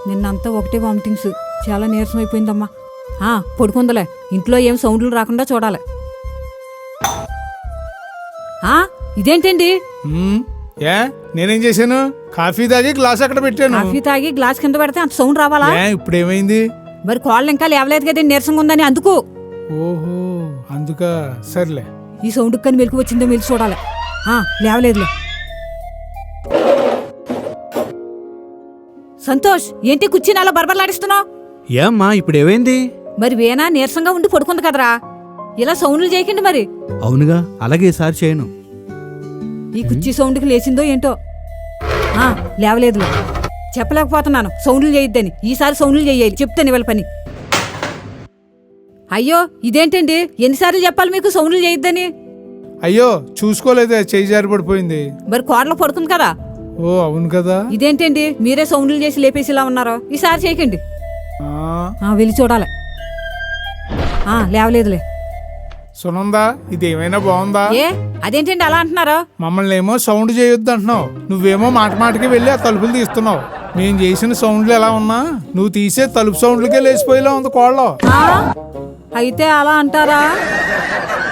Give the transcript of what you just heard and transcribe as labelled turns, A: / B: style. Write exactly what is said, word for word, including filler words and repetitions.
A: నిన్నంతా ఒకటే వామిటింగ్స్, చాలా నీరసం అయిపోయిందమ్మా. ఆ పడుకుందలే, ఇంట్లో ఏం సౌండ్లు రాకుండా చూడాలి. ఆ ఇదేంటండి?
B: ఏ నేనేం చేశాను? కాఫీ తాగి గ్లాస్ అక్కడ పెట్టాను.
A: కాఫీ తాగి గ్లాస్ కింద పెడితే అంత సౌండ్ రావాలా?
B: ఇప్పుడు ఏమైంది?
A: మరి కాళ్ళు ఇంకా లేవలేదు కదండి, నీరసంగా ఉందని. అందుకు.
B: ఓహో అందుక. సర్లే,
A: ఈ సౌండ్ కానీ మెలకు వచ్చిందో మెలిసి చూడాలి. ఆ లేవలేదులే. సంతోష్, ఏంటి కుర్చీని అలా బరబరలాడిస్తున్నావు?
C: ఏమ్మా ఇప్పుడు ఏమైంది?
A: మరి వేనా నీరసంగా ఉండి పడుకుంది కదరా, ఇలా సౌండ్లు చేయకండి మరి.
C: అవునుగా, అలాగే ఈసారి చేయను.
A: ఈ కుర్చీ సౌండ్కి లేచిందో ఏంటో. ఆ లేవలేదులే, చెప్పలేకపోతున్నాను సౌండ్లు చేయొద్దని. ఈసారి సౌండ్లు చేయాలి, చెప్తాను ఇవాళ పని. అయ్యో ఇదేంటండి, ఎన్నిసార్లు చెప్పాలి మీకు సౌండ్లు చేయొద్దని?
B: అయ్యో చూసుకోలేదే, చేయి జారి పడిపోయింది.
A: మరి కోడలో పడుకుంది కదా.
B: ఓ అవును కదా.
A: ఇదేంటండి, మీరే సౌండ్లు చేసి లేపేసి ఇలా ఉన్నారో. ఈసారి చేయకండి.
B: ఆ
A: వెళ్ళి చూడాలి. ఆ లేవలేదులే.
B: సునందా, ఇదేమైనా బాగుందా?
A: ఏ అదేంటండి అలా అంటున్నారో?
B: మమ్మల్ని ఏమో సౌండ్ చేయొద్దు అంటున్నావు, నువ్వేమో మాట మాటకి వెళ్ళి ఆ తలుపులు తీస్తున్నావు. మేము చేసిన సౌండ్లు ఎలా ఉన్నా నువ్వు తీసే తలుపు సౌండ్లకే లేచిపోయేలా ఉంది కోళ్ళ.
A: అయితే అలా అంటారా?